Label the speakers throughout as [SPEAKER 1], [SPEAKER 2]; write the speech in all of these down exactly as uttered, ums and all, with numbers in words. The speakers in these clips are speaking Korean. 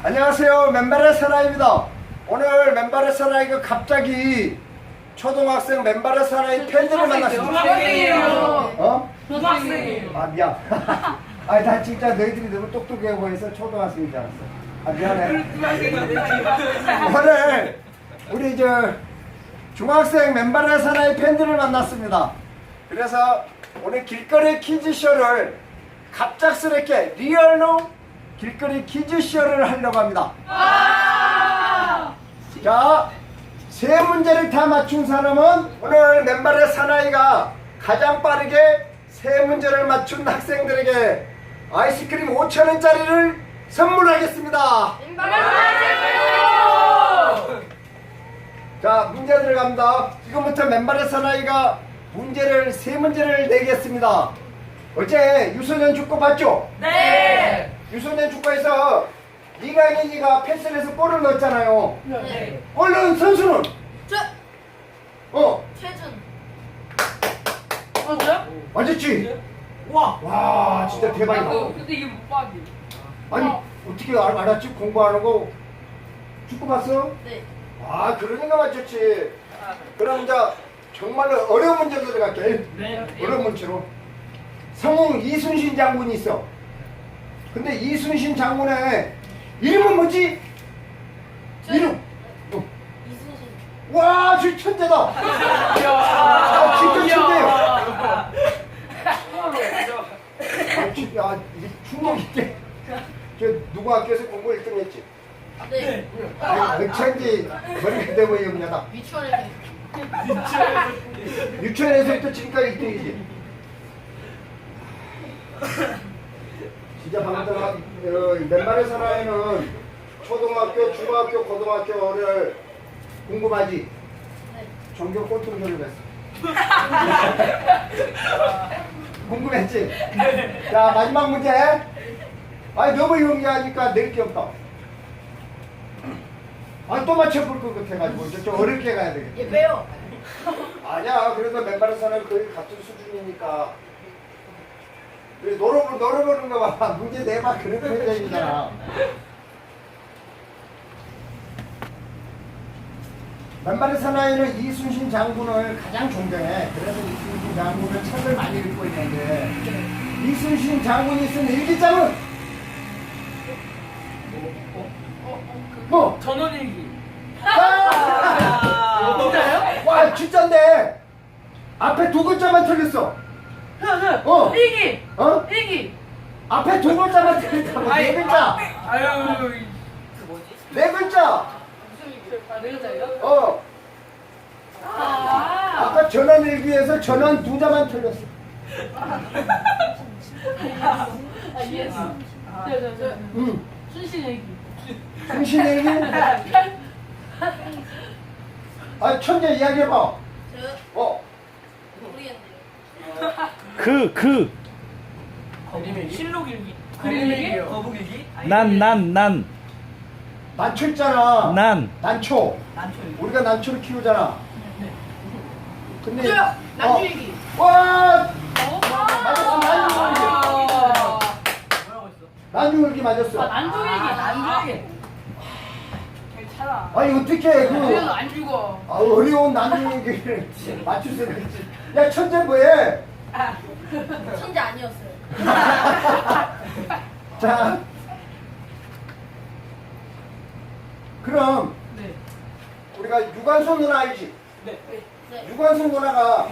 [SPEAKER 1] 안녕하세요. 맨발의 사나이입니다. 오늘 맨발의 사나이가 갑자기 초등학생 맨발의 사나이 팬들을 만났습니다.
[SPEAKER 2] 중학생이에요.
[SPEAKER 1] 어?
[SPEAKER 2] 초등학생이에요.
[SPEAKER 1] 아 미안. 아니 나 진짜 너희들이 너무 똑똑해 보여서 초등학생인 줄 알았어. 아 미안해. 오늘 우리 저 중학생 맨발의 사나이 팬들을 만났습니다. 그래서 오늘 길거리 퀴즈쇼를 갑작스럽게 리얼로 길거리 퀴즈쇼를 하려고 합니다. 자, 세 문제를 다 맞춘 사람은 오늘 맨발의 사나이가 가장 빠르게 세 문제를 맞춘 학생들에게 아이스크림 오천 원짜리를 선물하겠습니다. 자, 문제 들어갑니다. 지금부터 맨발의 사나이가 문제를 세 문제를 내겠습니다. 어제 유소년 축구 봤죠?
[SPEAKER 2] 네.
[SPEAKER 1] 유소년 축구에서 이강인이가 패스를 해서 골을 넣었잖아요.
[SPEAKER 2] 네.
[SPEAKER 1] 골 넣은 선수는?
[SPEAKER 3] 저
[SPEAKER 1] 어,
[SPEAKER 3] 최준.
[SPEAKER 2] 맞아요?
[SPEAKER 1] 맞았지?
[SPEAKER 2] 와.
[SPEAKER 1] 와, 진짜 대박이다.
[SPEAKER 2] 아이고, 근데 이게 못 봤지.
[SPEAKER 1] 아니, 어떻게 알, 알았지? 공부하는 거 축구 봤어?
[SPEAKER 3] 네.
[SPEAKER 1] 아, 그러니까 맞췄지. 그럼 이제 정말로 어려운 문제 들어갈게.
[SPEAKER 2] 네.
[SPEAKER 1] 어려운 문제로. 성웅 이순신 장군이 있어. 근데 이순신 장군의 이름은 뭐지?
[SPEAKER 3] 저-
[SPEAKER 1] 이름. 어.
[SPEAKER 3] 이순신.
[SPEAKER 1] 와, 저 천재다. 아, 진짜 천재요. 아, 진- 야, 이게 충격인데. 저 누구 학교에서 공부 일 등 했지?
[SPEAKER 3] 네.
[SPEAKER 1] 아, 백천지 머리가 돼 보여 그냥 다.
[SPEAKER 3] 미추홀에서.
[SPEAKER 1] 유치원에서부터 지금까지 일 등이지. 진짜 방금 어, 맨발의 사나이는 초등학교, 중학교, 고등학교를 궁금하지?
[SPEAKER 3] 네.
[SPEAKER 1] 전교 꼴통전을 했어. 궁금했지? 자, 마지막 문제. 아니, 너무 용기하니까 낼 게 없다. 아니, 또 맞춰볼 것 같아가지고 좀, 좀 어렵게 가야 되겠다.
[SPEAKER 3] 얘 빼요.
[SPEAKER 1] 아니야, 그래도 맨발의 사나이 거의 같은 수준이니까. 그래, 놀아보, 놀아보는 거 봐. 문제 내봐. 그런 표정이잖아. 맨발의 사나이는 이순신 장군을 가장 존경해. 그래서 이순신 장군을 책을 많이 읽고 있는데, 이순신 장군이 쓴 일기장은? 뭐?
[SPEAKER 2] 전원일기.
[SPEAKER 1] 아!
[SPEAKER 2] 진짜요?
[SPEAKER 1] 와, 진짠데! 앞에 두 글자만 틀렸어. 어.
[SPEAKER 2] 일기.
[SPEAKER 1] 어?
[SPEAKER 2] 일기.
[SPEAKER 1] 앞에 두 글자만 틀렸다고. 네 글자.
[SPEAKER 2] 아유, 그 뭐지?
[SPEAKER 1] 네 글자.
[SPEAKER 2] 아, 네 글자예요?
[SPEAKER 1] 어.
[SPEAKER 2] 아.
[SPEAKER 1] 아까 전원일기에서 전원 두 자만 틀렸어.
[SPEAKER 2] 아, 이해했어. 저, 저, 저.
[SPEAKER 1] 응.
[SPEAKER 2] 순신일기.
[SPEAKER 1] 순신일기? 아, 천재 이야기해봐.
[SPEAKER 3] 저
[SPEAKER 1] 어.
[SPEAKER 3] 모르겠네요.
[SPEAKER 4] 그, 그,
[SPEAKER 2] 실록일기. 그림일기? 거북일기?
[SPEAKER 4] 난, 난, 난,
[SPEAKER 1] 난초 있잖아.
[SPEAKER 4] 난.
[SPEAKER 1] 난초.
[SPEAKER 2] 난초일기.
[SPEAKER 1] 우리가 난초를 키우잖아.
[SPEAKER 2] 네.
[SPEAKER 1] 근데.
[SPEAKER 3] 저요. 난주일기.
[SPEAKER 1] 어. 와!
[SPEAKER 2] 어?
[SPEAKER 1] 맞았어, 난주일기.
[SPEAKER 2] 뭐라고 했어?
[SPEAKER 1] 난주일기 맞았어.
[SPEAKER 2] 아, 난조일기, 난조일기. 괜찮아.
[SPEAKER 1] 아니, 어떻게
[SPEAKER 2] 그래도
[SPEAKER 1] 그.
[SPEAKER 2] 안 죽어.
[SPEAKER 1] 아, 어려운 난주일기를 맞출 수 있지. 야, 천재 뭐해?
[SPEAKER 3] 천재 아니었어요.
[SPEAKER 1] 자, 그럼
[SPEAKER 2] 네.
[SPEAKER 1] 우리가 유관순 누나 알지?
[SPEAKER 2] 네.
[SPEAKER 3] 네.
[SPEAKER 1] 유관순 누나가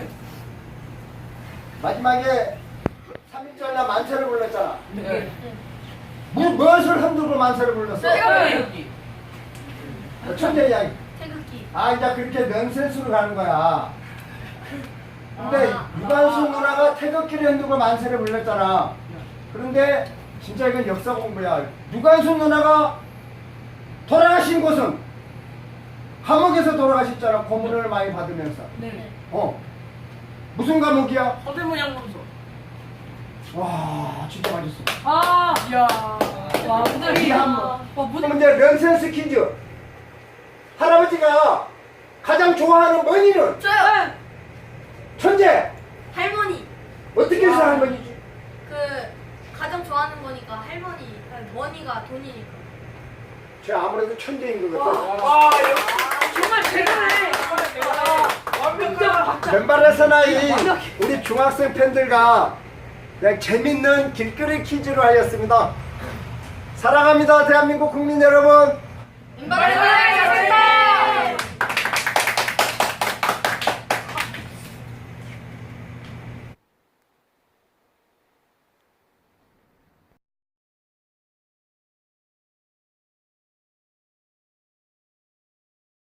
[SPEAKER 1] 마지막에 삼 일절 날 만세를 불렀잖아.
[SPEAKER 2] 네.
[SPEAKER 1] 뭐, 무엇을 흔들고 만세를 불렀어?
[SPEAKER 2] 태극기.
[SPEAKER 1] 어, 천재 이야기.
[SPEAKER 3] 태극기.
[SPEAKER 1] 아, 이제 그렇게 명세수로 가는 거야. 근데
[SPEAKER 3] 아.
[SPEAKER 1] 유관순 누나가 태극기를 흔들고 만세를 불렀잖아. 그런데 진짜 이건 역사 공부야. 유관순 누나가 돌아가신 곳은 감옥에서 돌아가셨잖아. 고문을 많이 받으면서.
[SPEAKER 2] 네.
[SPEAKER 1] 어. 무슨 감옥이야?
[SPEAKER 2] 서대문 양문소.
[SPEAKER 1] 와, 진짜 맛있어.
[SPEAKER 2] 아, 이야. 와, 근데
[SPEAKER 1] 이
[SPEAKER 2] 이
[SPEAKER 1] 한
[SPEAKER 2] 와,
[SPEAKER 1] 그럼
[SPEAKER 2] 무슨
[SPEAKER 1] 이제 런센스 퀴즈. 할아버지가 가장 좋아하는 머니는?
[SPEAKER 3] 저요.
[SPEAKER 1] 천재!
[SPEAKER 3] 할머니.
[SPEAKER 1] 어떻게 해서
[SPEAKER 2] 와.
[SPEAKER 1] 할머니지?
[SPEAKER 3] 그 가장 좋아하는 거니까 할머니. 머니가 돈이니까.
[SPEAKER 1] 저 아무래도 천재인 것 같아.
[SPEAKER 2] 와, 정말 대단해. 완벽한
[SPEAKER 1] 왼발에서나 이 우리 중학생 팬들과 그냥 재밌는 길거리 퀴즈로 하였습니다. 사랑합니다, 대한민국 국민 여러분.
[SPEAKER 3] 왼발에